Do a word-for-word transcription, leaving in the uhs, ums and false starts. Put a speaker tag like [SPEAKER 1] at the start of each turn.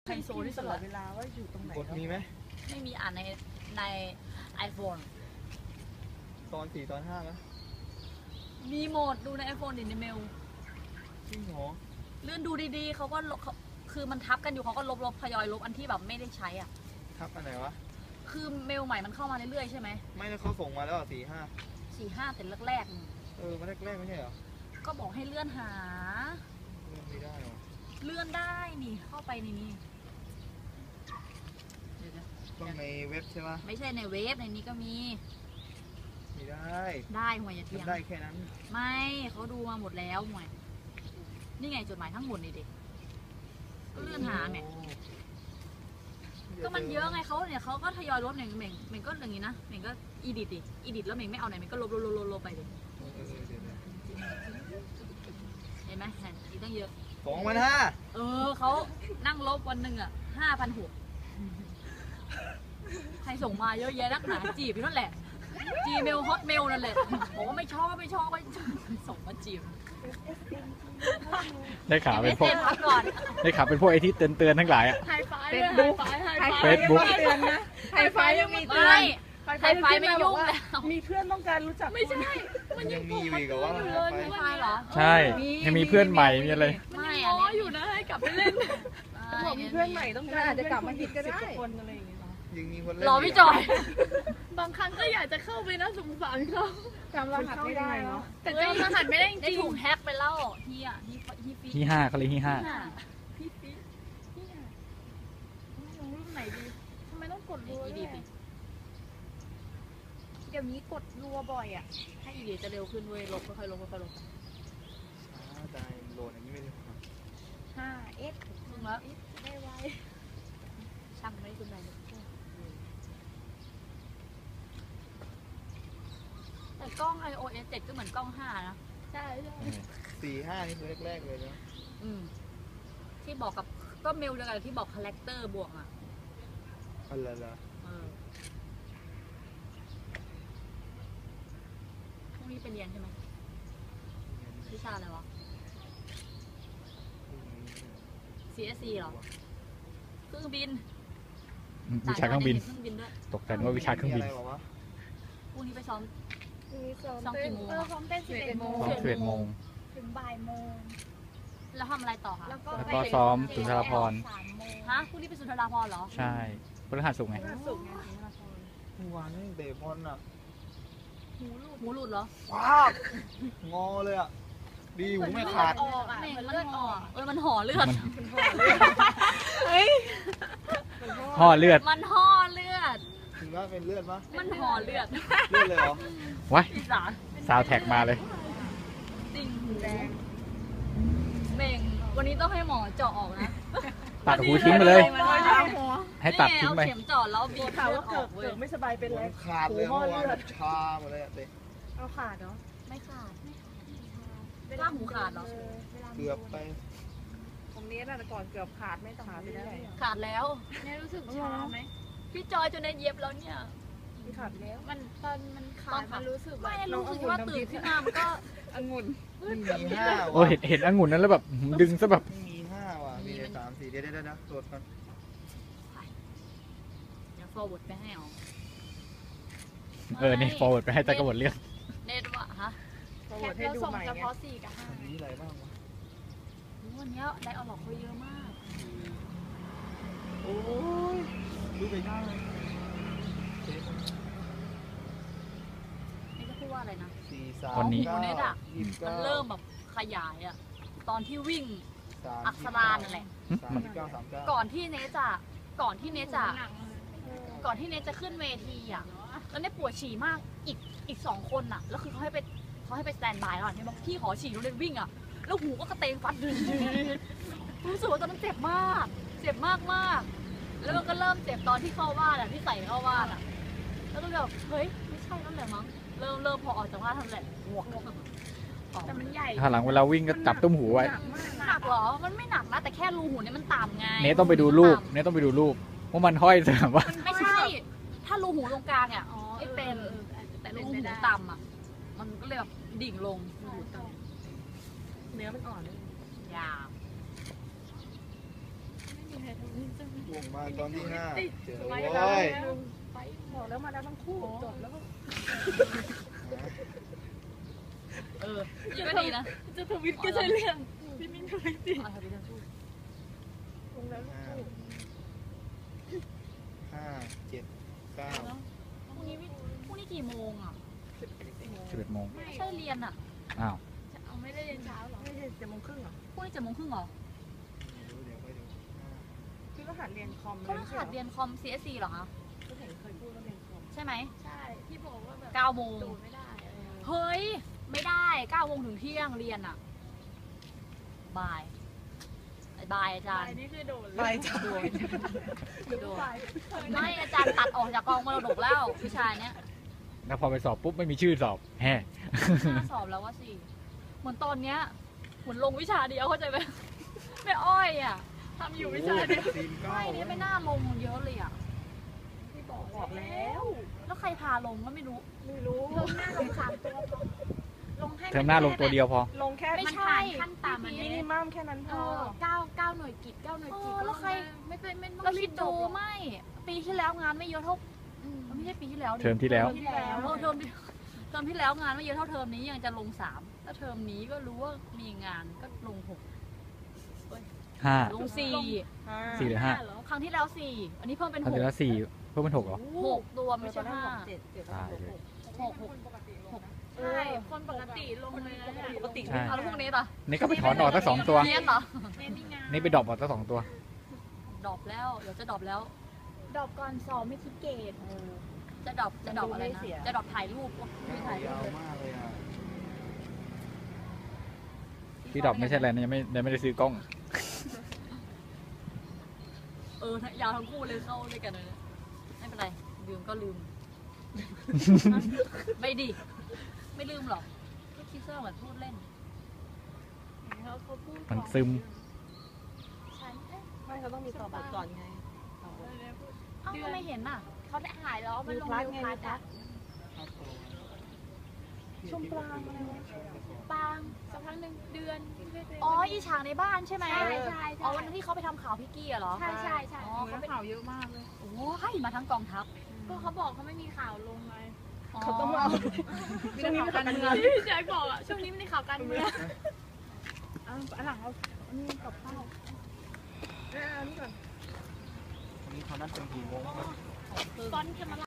[SPEAKER 1] ไฮโซที่ตลอดเวลาว่าอยู่ตรงไหนกดมีไหม
[SPEAKER 2] ไม่มีอ่านในใน iPhone
[SPEAKER 1] ตอนสี่ตอนห้าไหม
[SPEAKER 2] มีโหมดดูใน iPhone ดิในเมล
[SPEAKER 1] จริงเหรอ
[SPEAKER 2] เลื่อนดูดีๆเขาก็คือมันทับกันอยู่เขาก็ลบลบทยอยลบอันที่แบบไม่ได้ใช้อ่ะ
[SPEAKER 1] ทับอันไหนวะ
[SPEAKER 2] คือเมลใหม่มันเข้ามาเรื่อยๆใช่ไหม
[SPEAKER 1] ไม่แล้วเขาส่งมาแล้วสี่ห้า
[SPEAKER 2] สี่ห้าแต่แรก
[SPEAKER 1] ๆเออมาแรกๆไม่ใช่เหรอ
[SPEAKER 2] ก็บอกให้เลื่อนหา
[SPEAKER 1] เลื่อนไม่ได้หรอ
[SPEAKER 2] เลื่อนได้นี่เข้าไปในนี้
[SPEAKER 1] ต้องในเว็บใช่ไหม
[SPEAKER 2] ไม่ใช่ในเว็บในนี้ก็มี
[SPEAKER 1] ไม่ได้
[SPEAKER 2] ได้หวยอย่าเถียง
[SPEAKER 1] ได้แค่นั้น
[SPEAKER 2] ไม่เขาดูมาหมดแล้วหวยนี่ไงจดหมายทั้งหมดนี่เด็กก็เลื่อนหาแม่ก็มันเยอะไงเขาเนี่ยเขาก็ทยอยลบเนี่ยเม่งเม่งก็อย่างนี้นะเม่งก็อีดิทดิอีดิทแล้วเม่งไม่เอาไหนเม่งก็ลบลบลบลบไปดิเห็นไหมเห็นอีกตั้งเยอะ
[SPEAKER 1] สองพันห้า
[SPEAKER 2] เออเขานั่งลบวันหนึ่งอ่ะห้าพันหกใครส่งมาเยอะแยะนักหนาจีบอยู่นั่นแหละจีเมลฮอตเมลนั่นแหละบอกว่าไม่ชอบไม่ชอบไม่ส่งมาจีบ
[SPEAKER 3] ได้ข่าวเป็นพวกได้ข่าวเป็นพวกไอที่เตือนเตือนทั้งหลายอ่ะ
[SPEAKER 2] ไฮไฟเฟซบุ๊ก
[SPEAKER 3] เฟซบุ๊ก
[SPEAKER 1] เตือนนะไฮไฟยังมีเตือน
[SPEAKER 2] ไฮไฟไม่ยุ่งแล้ว
[SPEAKER 1] มีเพื่อนต้องการรู้จัก
[SPEAKER 2] ไม่ใช่
[SPEAKER 1] มันยังมีอยู่อีกว่า
[SPEAKER 2] ไฮไฟเหรอ
[SPEAKER 3] ใช่ยังมีเพื่อนใหม่มีอะไร
[SPEAKER 2] ไม่อันนี้อยู่นะให้กลับไปเล่น
[SPEAKER 1] บอกมีเพื่อนใหม่ต้องการอาจจะกลับมาอีกก็ได้คนอะไรอย่างเงี้ยยังมีคนเล่น
[SPEAKER 2] รอพี่จอย
[SPEAKER 4] บางครั้งก็อยากจะเข้าไปนะสงสารเขา
[SPEAKER 1] จำรหัสไม่ได้เนาะ
[SPEAKER 4] แต่จำรหัสไม่ได้จริง
[SPEAKER 2] ถูกแฮกไปแล้วที่อ่ะที่ที่ฟี
[SPEAKER 3] ที่ห้าเขาเลยที่ห้า
[SPEAKER 4] พี่ฟีพี่อ่ะลงรูปไหนดีทำไมต้องกดรัวด้วยเดี๋ยวนี้กดรัวบ่อยอ่ะ
[SPEAKER 2] ให้อีเดียจะเร็วขึ้นเว้ยลบค่อยๆลบค่อยๆลบ
[SPEAKER 1] ช้าใจโหลดอย่างนี้ไม่ได้
[SPEAKER 4] ห้าเอส
[SPEAKER 2] ลงแล้ว
[SPEAKER 4] ได้ไว
[SPEAKER 2] ช่างไม่คุณไหนแต่กล้อง ไอ โอ เอส เจ็ดก็เหมือนกล้องห้านะ
[SPEAKER 4] ใช่ใช่
[SPEAKER 1] สี่ห้านี่คือแรกๆเลยนะ
[SPEAKER 2] อืมที่บอกกับก็เมลเดียวกันที่บอกคาแรคเตอร์บวกอ่ะ
[SPEAKER 1] อะไรล่ะ
[SPEAKER 2] พรุ่งนี้ไปเรียนใช่ไหมวิชาอะไรวะ ซี เอส ซี เหรอเครื่องบิน
[SPEAKER 3] วิชาเครื่องบินตกใจว่าวิชาเครื่องบิน
[SPEAKER 2] พรุ่งนี้ไปซ้อม
[SPEAKER 4] ซ้อมกี่โมงซ้อมเต้นสิบเอ็ดโมง
[SPEAKER 3] สิบเอ็ดโมง
[SPEAKER 4] ถึงบ่ายโมง
[SPEAKER 2] แล้วทำอะไรต่อคะ
[SPEAKER 3] แล้วก็ซ้อมสุนทรภรณ์
[SPEAKER 2] ฮะพรุ่งนี้เป็นสุนทรภรณ์เหรอ
[SPEAKER 3] ใช่พฤหัสศุกร์ไง
[SPEAKER 1] เมื่อวานนี่เตะบอลอ่ะ
[SPEAKER 2] หูหลุดหูหลุดเหรอ
[SPEAKER 1] ว้าวงอเลยอ่ะดีหูไม่ขาด
[SPEAKER 2] แม่งเลือดออกเออมันห่อเลือด
[SPEAKER 3] เฮ้ยห่อเลือด
[SPEAKER 2] มันห่อเลือด
[SPEAKER 1] ถึงว่าเป็นเลือดปะ
[SPEAKER 2] มันห่อเลือด
[SPEAKER 1] เลือดเลยเหรอ
[SPEAKER 3] วะซาวแท็กมาเลย
[SPEAKER 2] ติ่งหูเม่งวันนี้ต้องให้หมอเจาะออกนะ
[SPEAKER 3] ตัดหูทิ้งไปเลยให้ตัดทิ้งไป
[SPEAKER 2] เข็มเจาะแล้วบีบ
[SPEAKER 1] ข่าวว่าเกิดเกิดไม่สบายเป็นไรขาดเลยเมื่อวานชาหมดเลยอะเต้
[SPEAKER 4] เอาขาดเนาะ
[SPEAKER 2] ไม่ขาดล่างหูขาดเหรอ
[SPEAKER 1] เกือบไป
[SPEAKER 4] ตรงนี้น่ะแต่ก่อนเกือบขาดไม่ขาดไปได้
[SPEAKER 2] ขาดแล้ว
[SPEAKER 4] เนี่ยรู้สึกชาไหม
[SPEAKER 2] พี่จอยจนได้เย็บแล้วเนี่ย
[SPEAKER 4] พี่ขาดแล้วมันตอนมันขาดมันรู้สึก
[SPEAKER 2] ไม่รู้สึกว่าตื่นขึ้นมามันก็
[SPEAKER 4] องุ่น
[SPEAKER 1] มีห้า
[SPEAKER 3] โอ้เห็นเห็นองุ่นนั้นแล้วแบบดึงซะแบบ
[SPEAKER 1] มีห้าว่ะมีสามสี่เดี๋ยวเดี๋ยวนะตรวจกัน
[SPEAKER 2] เดี๋ยว forward ไปให้เอา
[SPEAKER 3] เออนี่ forward ไปให้แต่กบฏเรื่อง
[SPEAKER 2] เน็ตวะฮะ
[SPEAKER 4] แค่เราส่งเฉพาะสี่กับห้า
[SPEAKER 1] อันนี้อะไรบ้างวะ
[SPEAKER 2] วันนี้ได้เอาหลอกเขาเยอะมาก
[SPEAKER 1] โอ้ยดูไปหน้าเลย
[SPEAKER 2] นี่จะพูดว่าอะไรนะ
[SPEAKER 3] วันนี้
[SPEAKER 2] เน็ตอ่ะมันเริ่มแบบขยายอ่ะตอนที่วิ่งอักษรานั่นแหละก่อนที่เนจ่ะก่อนที่เนจ่ะก่อนที่เนจะขึ้นเวทีอ่ะแล้วเนปวดฉี่มากอีกอีกสองคนอ่ะแล้วคือเขาให้ไปเขาให้ไปสแตนบายก่อนเนบอกพี่ขอฉี่แล้วเนวิ่งอ่ะแล้วหูก็กระเตงฟัดดึงรู้สึกว่าตอนนั้นเจ็บมากเจ็บมากมากแล้วมันก็เริ่มเจ็บตอนที่เข้าบ้านอ่ะที่ใส่เข้าบ้านอ่ะแล้วก็แบบเฮ้ยไม่ใช่นั่นแหละมั้งเริ่มเริ่มพอออกจากบ้านทำแหละหวก
[SPEAKER 4] แต่มันใหญ่
[SPEAKER 3] ถ้าหลังเวลาวิ่งก็จับตุ้มหูไว้
[SPEAKER 2] หนักเหรอมันไม่หนักนะแต่แค่รูหูเนี่ยมันต่ำไง
[SPEAKER 3] เนต้องไปดูรูปเนต้องไปดูรูปว่ามันห้อยเสมว่า
[SPEAKER 2] ไม่ใช่ถ้ารูหูตรงกลางอ่ะไม่เป็นแต่รูหูต่ำอ่ะมันก็เลยแบบดิ่งลง
[SPEAKER 4] เนื้อมันอ่อนเลย
[SPEAKER 2] ยาว
[SPEAKER 4] ไม่มี
[SPEAKER 5] วงมาตอนที่ห้าเจอ
[SPEAKER 1] ไป
[SPEAKER 5] โว้
[SPEAKER 1] แล้ว
[SPEAKER 5] ย
[SPEAKER 1] ไปบอกแล้วมาแล้วทั้งคู่จบแล้วก็
[SPEAKER 2] เออนี่ก็ดีนะ
[SPEAKER 3] จะทวิตก็ใช่เรื่องพี่มิ้นทวิตสิ
[SPEAKER 2] เอาทวิตทั้งคู่
[SPEAKER 1] ลงแล้วทั้งคู่
[SPEAKER 5] ห้าเจ็ดเก้า
[SPEAKER 2] พรุ่งนี้วิพรุ่งนี้กี่โมงอ่ะ
[SPEAKER 6] สิบเอ็ดโมง
[SPEAKER 2] ไม่ใช่เรียนอ่ะ
[SPEAKER 6] อ้าว
[SPEAKER 3] เอาไม่ได้เรียนเช้าหรอ
[SPEAKER 1] ไม่ใช่เจ็ดโมงครึ่งเหรอ
[SPEAKER 2] พรุ่งนี้เจ็ดโมงครึ่งเหรอ
[SPEAKER 5] เดี๋ยวไปดู
[SPEAKER 1] คือก็หัดเรียนคอม
[SPEAKER 2] เขาต้องขาดเรียนคอม ซี เอส ซี เหรอคะ
[SPEAKER 1] ก็เห็นเคยพูดว่าเรียนคอม
[SPEAKER 2] ใช่ไหม
[SPEAKER 3] ใช่ที่บอกว่าแบบ
[SPEAKER 2] เก้าโมง
[SPEAKER 3] โดดไม่ได้อะไรอย่างเงี้ย
[SPEAKER 2] เฮ้ย ไม่ได้เก้าโมงถึงเที่ยงเรียนอ่ะบ่ายบ่ายอาจารย์
[SPEAKER 3] อันนี้คือโดด
[SPEAKER 1] ไป
[SPEAKER 3] เลย
[SPEAKER 1] จ้ะ
[SPEAKER 2] โดนไม่อาจารย์ตัดออกจากกองมรดกแล้ววิชาเนี้ย
[SPEAKER 6] แล้วพอไปสอบปุ๊บไม่มีชื่อสอบแฮ่
[SPEAKER 2] น่าสอบแล้วว่าสิเหมือนตอนเนี้ยเหมือนลงวิชาเดียวเข้าใจไหมไม่อ้อยอ่ะ
[SPEAKER 3] ทำอยู่วิชาเดียว
[SPEAKER 5] ทีมเก้า
[SPEAKER 2] ไม่เนี่ยไม่น่าลงเยอะเลยอ่ะ
[SPEAKER 3] ที่บอก
[SPEAKER 1] บอกแล้ว
[SPEAKER 2] แล้วใครพาลงก็ไม่รู้
[SPEAKER 1] ไม่รู้
[SPEAKER 3] ลงหน้าลงสามตัวพอลงให้
[SPEAKER 6] เทอมหน้าลงตัวเดียวพอ
[SPEAKER 1] ลงแค่
[SPEAKER 2] ไม่
[SPEAKER 3] มัน
[SPEAKER 2] ใช่
[SPEAKER 3] ผ่านขั้นต่ำมัน
[SPEAKER 1] มิ
[SPEAKER 3] ไม่
[SPEAKER 1] นิ
[SPEAKER 3] ได้
[SPEAKER 1] มัมแค่นั้นพ
[SPEAKER 3] เอ
[SPEAKER 1] อ
[SPEAKER 3] อเก้าเก้าหน่วยกิจเก้าหน่วยกิจ
[SPEAKER 2] เออแล้วใคร
[SPEAKER 3] ไม่เป็นไม่ต้อง
[SPEAKER 2] เรา
[SPEAKER 3] รี
[SPEAKER 2] คิด
[SPEAKER 3] บจ
[SPEAKER 2] ดู
[SPEAKER 3] บ
[SPEAKER 2] ไม่ ปีที่แล้วงานไม่เยอะเท่า
[SPEAKER 3] อืม
[SPEAKER 2] ไม่ใช่ปีที่แล้วดิ
[SPEAKER 6] เทอมที่แล้ว
[SPEAKER 2] ที่แล้วเออเทอมที่เทอมที่แล้วงานไม่เยอะเท่าเทอมนี้ยังจะลงสามแล้วเทอมนี้ก็รู้ว่ามีงานก็ลงหก
[SPEAKER 6] ห้า
[SPEAKER 2] ลงสี่
[SPEAKER 6] สี่หรือห้า
[SPEAKER 3] เหรอ
[SPEAKER 2] ครั้งที่แล้วสี่อันนี้เพิ่มเป็น
[SPEAKER 6] ตอน
[SPEAKER 2] ห
[SPEAKER 6] ที่
[SPEAKER 2] ก
[SPEAKER 6] แล้วสี่เพิ่มเป็นหกเหรอ
[SPEAKER 2] หกตัวไม่ใช่ห้า
[SPEAKER 1] เจ็ดเจ็ด
[SPEAKER 6] ตายเลย
[SPEAKER 2] หกหกหก
[SPEAKER 3] ใช่คนปกติลงเลยนะเนี่ย
[SPEAKER 1] ปกติ
[SPEAKER 6] ใช่
[SPEAKER 2] เอาแล้วพวกนี้ล่ะ
[SPEAKER 6] นี่ก็ไปถอนออกตั้งสองตัว
[SPEAKER 2] เรียนเหรอ
[SPEAKER 3] เน้นนี่งาน
[SPEAKER 6] นี่ไปดรอปออกตั้งสองตัว
[SPEAKER 2] ดรอปแล้วเดี๋ยวจะดรอปแล้ว
[SPEAKER 3] ดอกก่อนสอบไม่คิดเกรด
[SPEAKER 2] จะดรอปจะดรอปอะไรนะจะดรอปถ่ายรูปไม่ถ่ายรู
[SPEAKER 5] ยาว
[SPEAKER 2] ป
[SPEAKER 5] มากเลยอ่ะ
[SPEAKER 6] ที่ดรอปไม่ใช่อะไรนะยังไม่ยังไม่ได้ซื้อกล้อง
[SPEAKER 2] เออยาวทั้งคู่เลยเข้าด้วยกันเลยนะไม่เป็นไรลืมก็ลืม ไม่ดิไม่ลืมหรอกก็คิดว่าเหมือนพูดเล่น
[SPEAKER 3] เขาเขาพูด
[SPEAKER 6] มันซึม
[SPEAKER 3] ฉันเอ๊ะ
[SPEAKER 1] ไม่เขาต้องมีต่อบทก่อนไงต่อบท
[SPEAKER 3] อะไรนะพูด
[SPEAKER 2] เอ้าทำไมเห็นน่ะ
[SPEAKER 3] เขาได้หายแล้วมันลง
[SPEAKER 1] มีพลัด
[SPEAKER 3] วิว
[SPEAKER 1] ไง
[SPEAKER 3] พลัด
[SPEAKER 1] มีพลั
[SPEAKER 3] อะ
[SPEAKER 1] ด ชมปรางอะไรวะ
[SPEAKER 3] ปางสักพักหนึ่งเดือน
[SPEAKER 2] อ๋ออีฉากในบ้านใช่ไหม
[SPEAKER 3] ใช่ใช่
[SPEAKER 2] อ๋อวันนั้นที่เขาไปทำข่าวพี่กี้อะเหรอ
[SPEAKER 3] ใช่ใช่ใช่
[SPEAKER 2] อ๋อเขาไป
[SPEAKER 1] ข่าวเยอะมากเลย
[SPEAKER 2] โอ้ยมาทั้งกองทัพ
[SPEAKER 3] ก็เขาบอกเขาไม่มีข่าวลงไง
[SPEAKER 1] เขาต้องมาช่วงนี้ข่าวการเมือง
[SPEAKER 3] ที่พี่แจ็คบอกอะช่วงนี้ไม่ได้ข่าวการเมือง
[SPEAKER 1] อ่ะอันหลังเอาอันนี้กับข้าวเอออันนี้ก่อน
[SPEAKER 5] วันนี้เขานัดเป็นกี่โมงครับ
[SPEAKER 3] ตอนจะมา